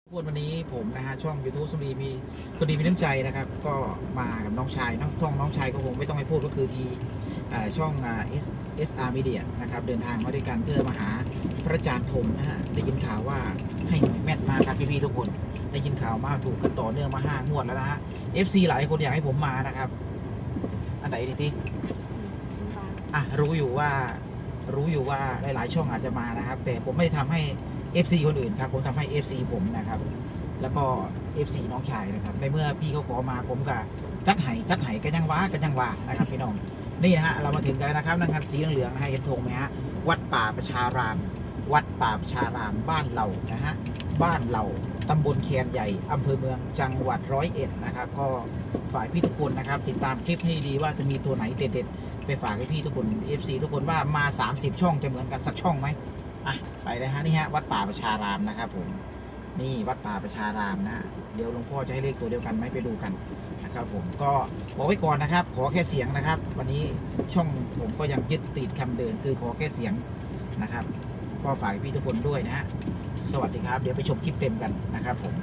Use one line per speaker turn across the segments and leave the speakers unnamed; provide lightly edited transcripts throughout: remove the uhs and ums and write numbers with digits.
วันนี้ผมนะฮะช่อง YouTube สุรีมีคนดีมีน้ำใจนะครับก็มากับน้องชายเนาะช่องน้องชายก็คงไม่ต้องให้พูดก็คือที่ช่องSR Media นะครับเดินทางมาด้วยกันเพื่อมาหาพระอาจารย์ธมนะฮะได้ยินข่าวว่าให้หวยแม่นมาครับพี่ๆทุกคนได้ยินข่าวมาถูกกันต่อเนื่องมา5 งวดแล้วนะฮะ FC หลายคนอยากให้ผมมานะครับอันไหนดีที่รู้อยู่ว่าหลายๆช่องอาจจะมานะครับแต่ผมไม่ได้ทำให้ FC คนอื่นครับผมทำให้ FC ผมนะครับแล้วก็ FC น้องชายนะครับในเมื่อพี่เขาขอมาผมก็จัดไห้กันยังว่านะครับพี่น้องนี่นะฮะเรามาถึงกันนะครับนังคันสีเหลืองๆนะฮะเห็นธงไหมฮะวัดป่าประชารามบ้านเรานะฮะบ้านเราตำบลแคนใหญ่อำเภอเมืองจังหวัด101นะครับก็ฝ่ายพี่ทุกคนนะครับติดตามคลิปให้ดีว่าจะมีตัวไหนเด็ดๆไปฝากให้พี่ทุกคน FC ทุกคนว่ามา30 ช่องจะเหมือนกันสักช่องไหมไปเลยฮะนี่ฮะวัดป่าประชารามนะครับผมนี่วัดป่าประชารามนะเดี๋ยวหลวงพ่อจะให้เลขตัวเดียวกันไหมไปดูกันนะครับผมก็บอกไว้ก่อนนะครับขอแค่เสียงนะครับวันนี้ช่องผมก็ยังยึดติดคำเดิมคือขอแค่เสียงนะครับก็ฝากพี่ทุกคนด้วยนะฮะสวัสดีครับเดี๋ยวไปชมคลิปเต็มกันนะครับผม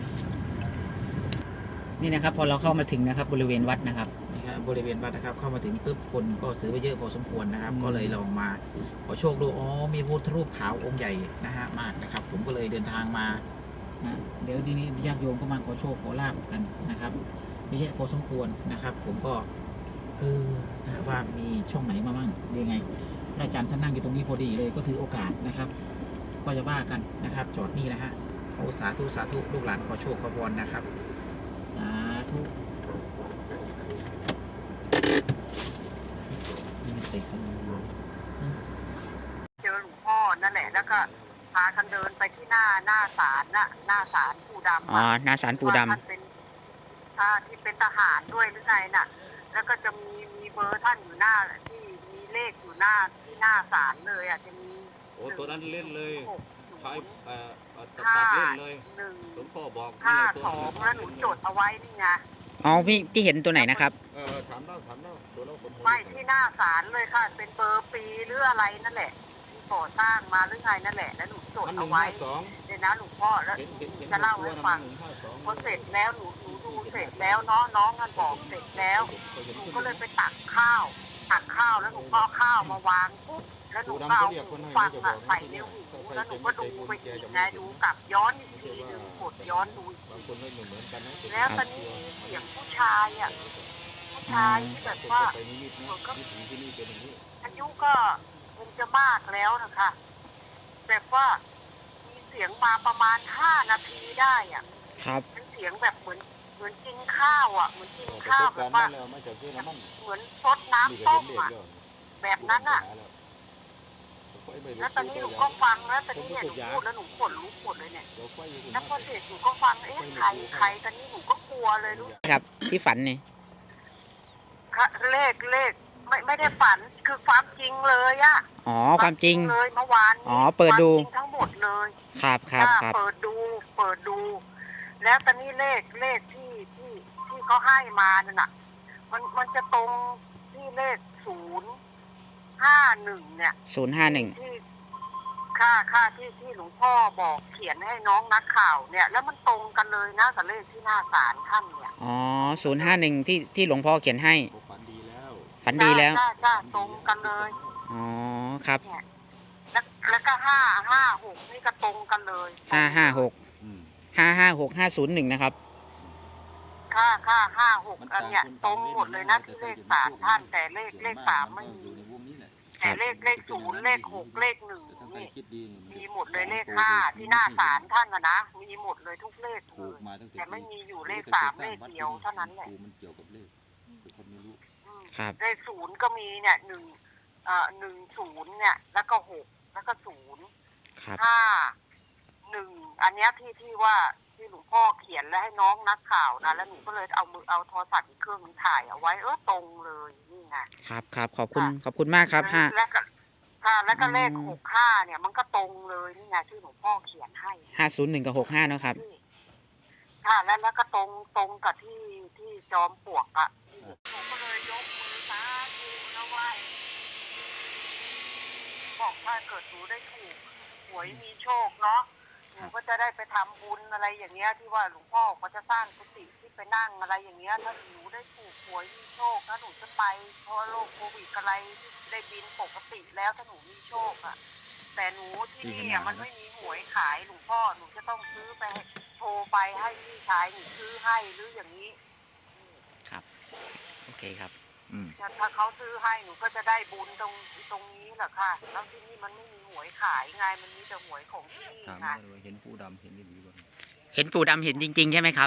นี่นะครับพอเราเข้ามาถึงนะครับบริเวณวัดนะครับ
บริเวณวัดนะครับเข้ามาถึงปุ๊บคนก็ซื้อไปเยอะพอสมควรนะครับก็เลยลองมาขอโชคดูมีพุทธรูปขาวองค์ใหญ่นะฮะมากนะครับผมก็เลยเดินทางมานะเดี๋ยวทีนี้ญาติโยมก็มาขอโชคขอลาบกันนะครับไม่ใช่พอสมควรนะครับผมก็นะว่ามีช่องไหนมาบ้างยังไงพระอาจารย์ท่านนั่งอยู่ตรงนี้พอดีเลยก็ถือโอกาสนะครับก็จะว่ากันนะครับจอดนี่นะฮะสาธุลูกหลานขอโชคขอพรนะครับสาธุ
เจอหลวงพ่อนั่นแหละแล้วก็พากันเดินไปที่หน้าศาลน่ะหน้าศาลปู่ดำ
หน้าศาลปู่ดำ
ท่านเป็นที่เป็นทหารด้วยหรือไงน่ะแล้วก็จะมีเบอร์ท่านอยู่หน้าที่มีเลขอยู่ที่หน้าศาลเลยจะมี
ตัวนั้นเล่นเลยใช้
ห้า
ตัดเล่นเลย
1
หลวงพ่อบอก
52แล้วหนูจดเอาไว้นี่ไง
พี่เห็นตัวไหนนะครับ
ถามแล้วตัวแล้วคน
ไม่ที่หน้าศาลเลยค่ะเป็นเบอร์ปีหรืออะไรนั่นแหละที่ก่อสร้างมาหรือไงนั่นแหละแล้วหนูจดเอาไว้เดี๋ยวนะหลวงพ่อแล้วจะเล่าให้ฟังพอเสร็จแล้วหนูดูเสร็จแล้วน้องกันบอกเสร็จแล้วหนูก็เลยไปตักข้าวแล้วหนูก็ข้าวมาวางปุ๊บแล้วหนูก็เอาหูฟังใส่ในหูแล้วหนูก็ดูไปอีกไงดูกลับย้อนอีกทีหนึ่งกดย้อนดูแล้วตอนนี้เสียงผู้ชายผู้ชายที่แบบว่าเหมือนกับอายุก็คงจะมากแล้วนะคะแบบว่ามีเสียงมาประมาณ5 นาทีได้เป็นเสียงแบบเหมือนกินข้าวเหมือนกินข้าวแบบว่าเหมือนซดน้ำต้มแบบนั้นแล้วตอนนี้หนูก็ฟังแล้วตอนนี้เนี่ยหนูพูดแล้วหนูขนลุกหมดเลยเนี่ยแล้วพอเสร็จหนูก็ฟังใครตอนนี้หนูก็กลัวเลยรู้
ครับที่ฝันนี่
เลขไม่ได้ฝันคือความจริงเลย
ความจริง
เลยเมื่อวาน
เปิดดู
ทั้งหมดเลย
ครับ
เปิดดูแล้วตอนนี้เลขที่เขาให้มานั่นมันจะตรงที่เลข051เนี่ย
051
ที่ค่าที่หลวงพ่อบอกเขียนให้น้องนักข่าวเนี่ยแล้วมันตรงกันเลยนะกับเลขที่หน้าศาลท่านเนี่ย
051ที่หลวงพ่อเขียนให้ฝันดีแล้ว
ตรงกันเลย
ครับ
แล้วก็556นี่ก็ตรงกันเลย
556 501นะครับ
56อันเนี้ยตรงหมดเลยนะที่เลขศาลท่านแต่เลข3ไม่มีแต่เลข0เลข6เลข1นี่มีหมดเลยเลข5ที่หน้าศาลท่านนะมีหมดเลยทุกเลขเลยแต่ไม่มีอยู่เลข3เลขเดียวเท่านั้นแหละเลข0ก็มีเนี่ย10เนี่ยแล้วก็6แล้วก็051อันเนี้ยที่ว่าที่หลวงพ่อเขียนแล้วให้น้องนักข่าวนะแล้วหนูก็เลยเอาโทรศัพท์อีกเครื่องนึงถ่ายเอาไว้ตรงเลยนี่ไง
ครับขอบคุณมากครับ
แล้วก็เลข65เนี่ยมันก็ตรงเลยนี่ไงที่หลวงพ่อเขียนให้
501กับ65นะครับ
แล้วก็ตรงกับที่จอมปลวกหนูก็เลยยกมือสาธุนะไหว้บอกถ้าเกิดหนูได้ถูกหวยมีโชคเนาะหนูก็จะได้ไปทำบุญอะไรอย่างเงี้ยที่ว่าหลวงพ่อเขาจะสร้างกุฏิที่ไปนั่งอะไรอย่างเงี้ยถ้าหนูได้ถูกหวยมีโชคถ้าหนูจะไปเพราะโรคโควิดอะไรที่ได้บินปกติแล้วถ้าหนูมีโชคอะแต่หนูที่นี่อะมันไม่มีหวยขายหลวงพ่อหนูจะต้องซื้อไปโทรไปให้พี่ชายหนูซื้อให้หรืออย่างนี้
ครับโอเคครับ
ถ้าเขาซื้อให้หนูก็จะได้บุญตรงนี้แหละค่ะแล้วที่นี่มันไม่มีหวยขายไงมันมีแต่หวยของที่นี่
ถาม
ไง
ว่าเห็นปูดำเห็นดีบ่
เห็นปู่ดำเห็นจริงๆใช่ไหมครับ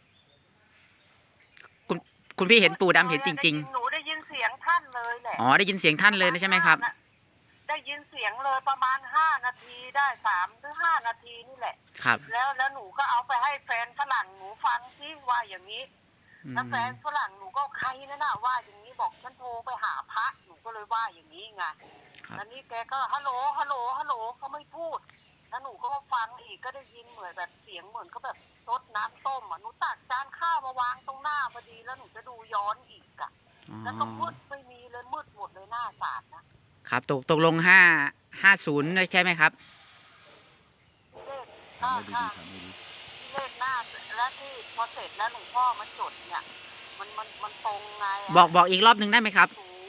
คุณพี่เห็นปู่ดำเห็นจริง
หนูได้ยินเสียงท่านเลยแหละ
ๆอ๋อได้ยินเสียงท่านเลยนะใช่ไหมครับ
ได้ยินเสียงเลยประมาณ5 นาทีได้3 หรือ 5 นาทีนี่แหละ
ครับ
แล้วหนูก็เอาไปให้แฟนฝรั่งหนูฟังซิว่าอย่างนี้
อืม
แล้วแฟนฝรั่งหนูก็ใครนั่นน่ะว่าอย่างนี้บอกฉันโทรไปหาพระหนูก็เลยว่าอย่างนี้ไง
ครับ
แล้วนี่แกก็ฮัลโหลฮัลโหลฮัลโหลเขาไม่พูดแล้วหนูก็มาฟังอีกก็ได้ยินเหมือนแบบเสียงเหมือนก็แบบซดน้ำต้มอ่ะหนูตักจานข้าวมาวางตรงหน้าพอดีแล้วหนูจะดูย้อนอีกอ่ะ
อ๋อ
แล้วก็มืดไม่มีเลยมืดหมดเลยหน้าศาลนะครับ
ตกลง550ใช่ไหมครับ
เลข
ถามไม่ดี
ค่ะ
ถามไม่ดี
เลขหน้าแล้วที่พอเสร็จแล้วหลวงพ่อมาจดเนี่ยมันตรงไงอะ
บอกอีกรอบหนึ่งได้ไหมครับ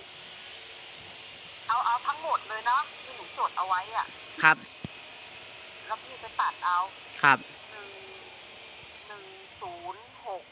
เอาทั้งหมดเลยเนาะที่หนูจดเอาไว้อ่ะ
ครับ
แล้วพี่ไปตัดเอา
ครับ
106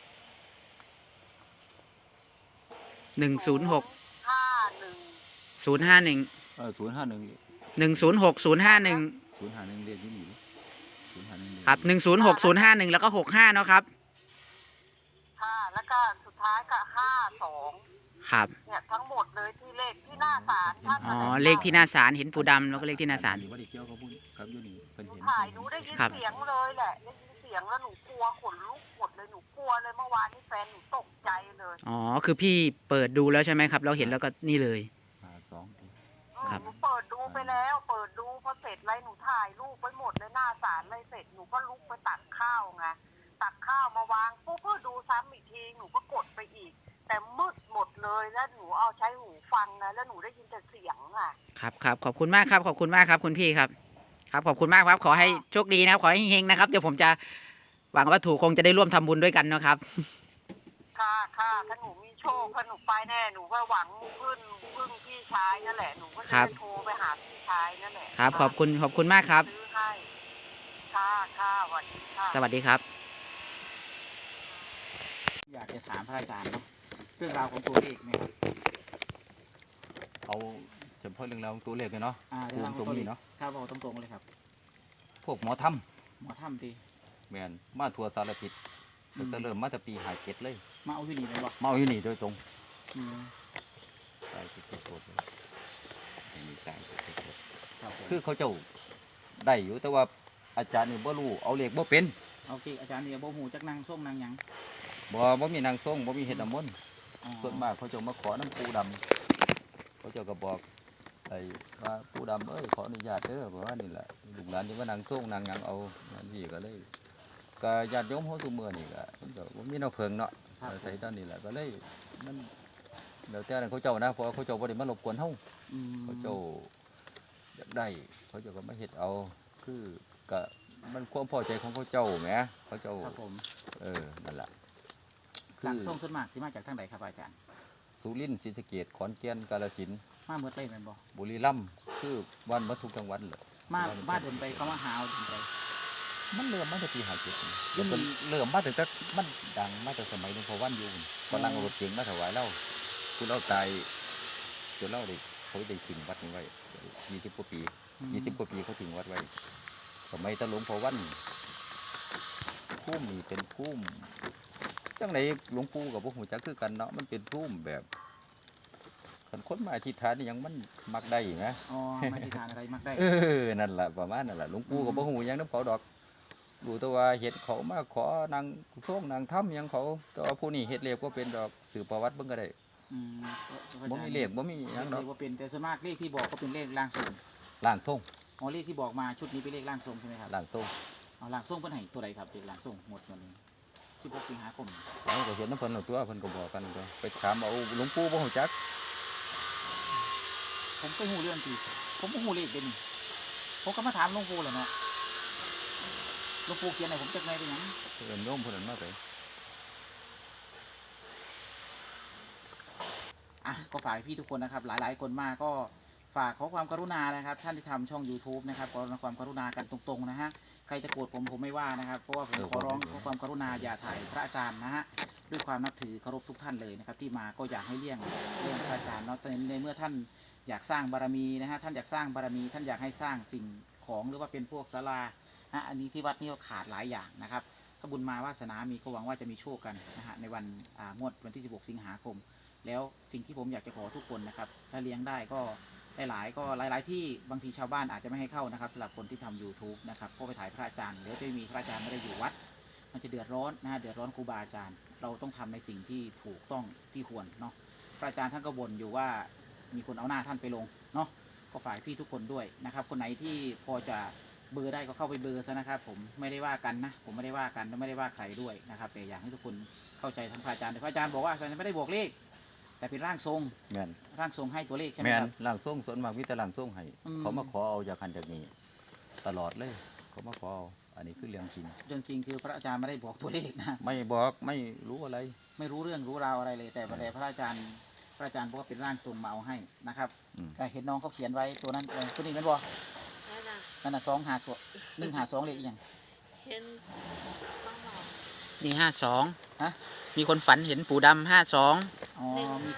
106
51
051
051
106 051
051เรียกที่นี่051
ครับ106 051แล้วก็65เนาะครับ
ค่ะแล้วก็สุดท้ายก็52
ครับ
เนี่ยทั้งหมดเลยที่เลขที่หน้าศาลท่าน
อ๋อเลขที่หน้าศาลเห็นปู่ดำแล้วก็เลขที่หน้าศาล
บ่ได้เกี่ยวกับพูดครับอยู่นี่เพิ่น
หนู
เห็น
ถ่ายหนูได้ยิน
ครับ
เสียงเลยแหละได้ยินเสียงแล้วหนูกลัวขนลุกหมดเลยหนูกลัวเลยเมื่อวานนี้แฟนหนูตกใจเลย
อ๋อคือพี่เปิดดูแล้วใช่ไหมครับเราเห็นแล้วก็นี่เลย ครับ
หนูเปิดดูไปแล้วเปิดดูพอเสร็จไรหนูถ่ายรูปไปหมดเลยหน้าศาลเลยเสร็จหนูก็ลุกไปตักข้าวไงตักข้าวมาวางปุ๊บเพื่อดูซ้ำอีกทีหนูก็กดไปอีก แต่มืดหมดเลยแล้วหนูเอาใช้หูฟังนะแล้วหนูได้ยินแต่เสียงอ่ะ
ครับขอบคุณมากครับขอบคุณมากครับคุณพี่ครับครับขอบคุณมากครับขอให้โชคดีนะครับขอให้เฮงๆนะครับเดี๋ยวผมจะหวังว่าถูกคงจะได้ร่วมทำบุญด้วยกันนะครับ
ค่ะถ้าหนูมีโชคถ้าหนูไปแน่หนูก็หวังพึ่งพี่ชายนั่นแหละหนูก็จะ
ครับ
ไปโทรไปหาพี่ชายนั่นแหละ
ครับขอบคุณมากครับ
ซื้อให้ค่ะสวัสดีค่ะ
สวัสดีครับ
อยากจะถามพระอาจารย์เนาะเรื่องราวของตัวเลขเนี่ย
เอาเฉพาะเรื่องราวของตัวเลขเลยเนาะ
เรื่องราวของ
ตรงนี้เนาะ
ครับเอาตรงๆเลยครับ
พวกหมอท
หมอถ้ำที
ำแม่นมาทั่วสารทิศตั้งแต่เริ่มมาแต่ปี57เลย
มาเอาที่นี่เลยบอก
มาเอาอยู่นี่โดยตรง
อืม
ตายสุดโคตรเลยมีตายสุดโคตร
ครับผม
คือเขาเจ้าได้อยู่แต่ว่าอาจารย์นี่บ่รู้เอาเลขบ่เป็น
เอาที่อาจารย์เนี่ยโบหูจักนางส้มนางหยัง
บ่มีนางทรงบ่มีเฮ็ดน้ำมนต์
อ๋อ
ส่วนมากเขาเจ้ามาขอน้ำปูดำเขาเจ้าก็บอกไอ้ว่าปูดำเอ้ยขออนุญาตเด้อเพราะว่านี่แหละลูกหลานที่ว่านางทรงนางหยังเอานั่นนี่ก็เลยก็ญาติโยมเฮาซุมื้อนี่ก็มันก็บ่มีแนวเพิงเนาะอาศัยด้านนี้แหละก็เลยมันแล้วแต่นั้นเขาเจ้านะเพราะว่าเขาเจ้าบ่ได้มารบกวนเฮา
อืม
เขาเจ้าอยากได้เขาเจ้าก็มาเฮ็ดเอาคือก็มันความพอใจของเขาเจ้าแหมเขาเจ้า
ครับผม
นั่นล่ะคื
นาง
อ
ส้มส่วนมากสิมาจากทางไหนครับอาจารย์
สุรินทร์ศรีสะเกษขอนแก่นกาฬสินธุ์
มาเมื่อไรแม่นบ่
บุรีรัมย์คือวันมาทุกจังหวัดเลย
มาเดินไปเขามาหาเอาเดินไป
มันเริ่มมาจากปี57นี่
อืม
มันเริ่มมาตั้งแต่มันดังมาตั้งสมัยหลวงพ่อวันอยู่กำลังเอารถเก๋งมาถวายเล่าคุณเล่าตายจนเล่าได้เขาได้ทิ้งวัดนี้ไว้20 กว่าปี 20 กว่าปีเขาทิ้งวัดไว้สมัยตะหลวงพ่อวันพุ่มนี่เป็นพุ่มจังไหนหลวงปู่กับพวกหูจักคือกันเนาะมันเป็นพุ่มแบบคันคนมาอธิษฐานนี่ยังมันมักได้นะ
อ๋อมาที่ทานอะไรมักได้
นั่นแหละประมาณนั่นแหละหลวงปู่กับพวกหูหยังน้ำเขาดอกดูแต่ว่าเฮ็ดเขามาขอนางส่งนางถ้ำหยังเขาแต่ว่าผู้นี้เฮ็ดเลขก็เป็นดอกสื่อประวัติเบิ่งก็ได้
อืม
บ่มีเลขบ่มีหยังดอก
เลขว่าเป็นแต่ส่วนมากเลขที่บอกก็เป็นเลขร่างทรง
ล่างส่ง
อ๋อเลขที่บอกมาชุดนี้เป็นเลขร่างทรงใช่ไหมครับ
ล่างส่ง
เอาร่างทรงเพิ่นให้ตัวใดครับเลขร่างทรงหมดวันนี้16 สิงหาคม
เราก็เห็นน้ำเพิ่นเอาตัวเพิ่นก็บอกกันตัวไปถามเอาหลวงปู่บ่ฮู้จัก
ผมก็หูเรื่องทีผมก็หูเลขเด่นผมก็มาถามหลวงปู่แหละเนาะหลวงปู่เขียนไหนผมจะไงเป็นหยัง
เอิ้นโยมผู้นั้นมาไป
อ่ะก็ฝากพี่ทุกคนนะครับหลายๆคนมาก็ฝากขอความกรุณานะครับท่านที่ทำช่อง YouTube นะครับขอความกรุณากันตรงๆนะฮะใครจะโกรธผมไม่ว่านะครับเพราะว่าผมขอร้องขอความกรุณาอย่าถ่ายพระอาจารย์นะฮะด้วยความนับถือเคารพทุกท่านเลยนะครับที่มาก็อยากให้เลี่ยงพระอาจารย์เนาะในเมื่อท่านอยากสร้างบารมีนะฮะท่านอยากสร้างบารมีท่านอยากให้สร้างสิ่งของหรือว่าเป็นพวกศาลานะอันนี้ที่วัดนี่ก็ขาดหลายอย่างนะครับถ้าบุญมาวาสนามีก็หวังว่าจะมีโชคกันนะฮะในวันงวดวันที่16 สิงหาคมแล้วสิ่งที่ผมอยากจะขอทุกคนนะครับถ้าเลี้ยงได้ก็หลายที่บางทีชาวบ้านอาจจะไม่ให้เข้านะครับสำหรับคนที่ทำ YouTube นะครับก็ไปถ่ายพระอาจารย์เดี๋ยวจะมีพระอาจารย์ไม่ได้อยู่วัดมันจะเดือดร้อนนะฮะเดือดร้อนครูบาอาจารย์เราต้องทำในสิ่งที่ถูกต้องที่ควรเนาะพระอาจารย์ท่านก็บ่นอยู่ว่ามีคนเอาหน้าท่านไปลงเนาะก็ฝากพี่ทุกคนด้วยนะครับคนไหนที่พอจะเบอร์ได้ก็เข้าไปเบอร์ซะนะครับผมไม่ได้ว่ากันนะผมไม่ได้ว่ากันและไม่ได้ว่าใครด้วยนะครับแต่อยากให้ทุกคนเข้าใจทั้งพระอาจารย์แต่พระอาจารย์บอกว่าอาจารย์ไม่ได้บอกเลขแต่เป็นร่างทรง
แม่น
ร่างทรงให้ตัวเลขใช่ไหม
แม่
คน รับ
ร่างทรงส่วนมากมีแต่ร่างทรงให้
อืม
เขามาขอเอาจากหันจากนี้ตลอดเลยเขามาขอเอาอันนี้คือเรื่องจริง
เรื่องจริงคือพระอาจารย์ไม่ได้บอกตัวเลขนะ
ไม่บอกไม่รู้อะไร
ไม่รู้เรื่องรู้ราวอะไรเลยแต่พระอาจารย์บอกว่าเป็นร่างทรงมาเอาให้นะครับ
อืม
แต่เห็นน้องเขาเขียนไว้ตัวนั้นตัวนี้นั่นบ่
นั่นน่ะ
นั่นน่ะ152เลขอีกอย่าง
เห็นบ้างหรอ
นี่52
ฮะ
มีคนฝันเห็นปู่ดำ52
อ๋อ
หนึ่ง
มี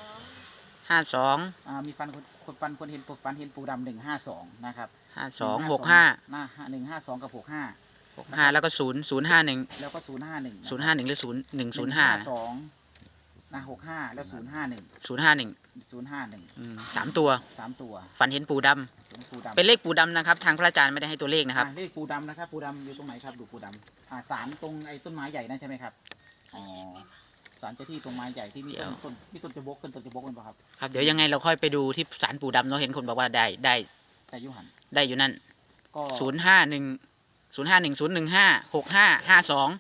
52
52
มีคนเห็นปูดำ152นะครับ
52 65
หน้า152กับ65
65แล้วก็0 051
แล้วก็051
051หรือ0105
152นะ65แล้ว051
051 3 ตัว
3 ตัว
ฝันเห็นปู่ดำ
เป็นปูดำ
เป็นเลขปู่ดำนะครับ ทางพระอาจารย์ไม่ได้ให้ตัวเลขนะครับ
เลขปูดำนะครับปูดำอยู่ตรงไหนครับดูปูดำศาลตรงไอ้ต้นไม้ใหญ่นั่นใช่ไหมครับอ๋อศาลเจ้าที่ตรงไม้ใหญ่ที่มี
เดี๋ยว
ต้นจะบกต้นจะบกกันป่ะครับ
ครับเดี๋ยวยังไงเราค่อยไปดูที่ศาลปู่ดำเนาะเห็นคนบอกว่าได้
แต่ยุหัน
ได้อยู่นั่น
ก็
051 051 015 65 52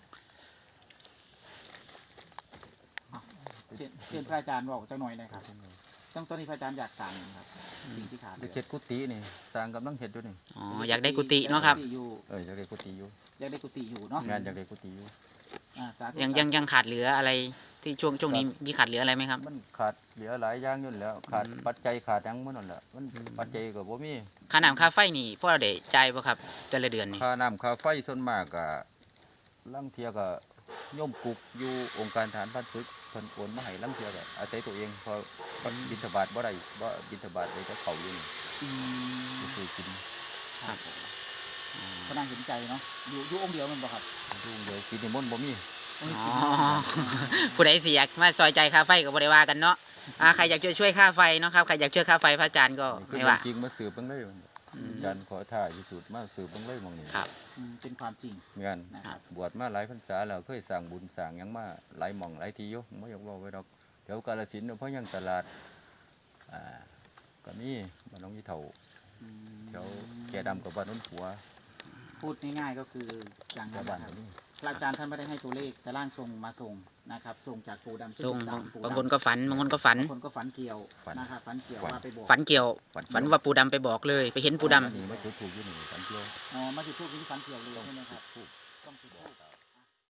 เชิญพระอาจารย์บอกเจ้าหน่อยนะครับตอนนี้พระอาจารย์อยากสั่งครับสิ่งที่ขาด
ไปเฮ็ดกุฏินี่สร้างกำลังเฮ็ดอยู่นี่
อ๋ออยากได้กุฏิเนาะครับ
อยากได้กุฏิอยู่
อยากได้กุฏิอยู่เนาะ
งานอยากได้กุฏิอยู่
สาธุ
ยังขาดเหลืออะไรที่ช่วงนี้มีขาดเหลืออะไรไหมครับ
มันขาดเหลือหลายอย่างอยู่แล้วขาดปัจจัยขาดหยังหมดนั่นแหละมันปัจจัยก็บ่มี
ค่าน้ำค่าไฟนี่พวกเราได้จ่ายป่ะครับแต่ละเดือนนี่
ค่าน้ำค่าไฟส่วนมากก็ลางเที่ยก็โยมกุกอยู่องค์การทหารพันศึกเพิ่นโอนมาให้ลางเที่ยก็อาศัยตัวเองพอบิณฑบาตบ่ได้บ่บิณฑบาตเลยก็เข้าอยู่นี่
อืม
คือกิน
ครับก็น่าเห็นใจเนาะอยู่องค์เดียวมันบ่ครับ
ดูเดี๋ยวกินนิมนต์บ่มี
อ๋อผู้ใดสิอยากมาซอยใจค่าไฟก็บ่ได้ว่ากันเนาะใครอยากช่วยค่าไฟเนาะครับใครอยากช่วยค่าไฟพระอาจารย์ก็
คือ
ไม่ว่า
จริงมาสืบเบิ่งเลยอาจารย์ขอท่าที่สุดมาสืบเบิ่งเลยหม่องนี้
ครับ
เป็นความจริง
งาน
นะครับ
บวชมาหลายพรรษาแล้วเคยสร้างบุญสร้างหยังมาหลายหม่องหลายที่อยู่บ่อยากเว้าไว้ดอกแถวกาฬสินธุ์เพราะยังตลาดก็มีบ้านน้องยี่เฒ่า
อืม
แถวแก่ดำกับบ้านโน้นผัว
พูดง่ายๆก็คืออย่าง
แถ
นั้
วน บ้าน
นะครับ
ก็มี
พระอาจารย์ท่านไม่ได้ให้ตัวเลขแต่ร่างทรงมาส่งนะครับส่งจากปูดำ
ส่ง
เป็นศลปู่ดำ
บางคนก็ฝันบางคนก็ฝัน
บางคนก็ฝันเกี่ยวนะครับฝันเกี่ยวว่าไปบอก
ฝันเกี่ยว ฝันว่าปู่ดำไปบอกเลย ไปเห็นปู่ดำ
นี่มาจุดถูกอยู่นี่ฝันเที่ยว
อ๋อมาจุดทูบที่ฝันเกี่ยวเลยใช่ไหมครับ
ถูก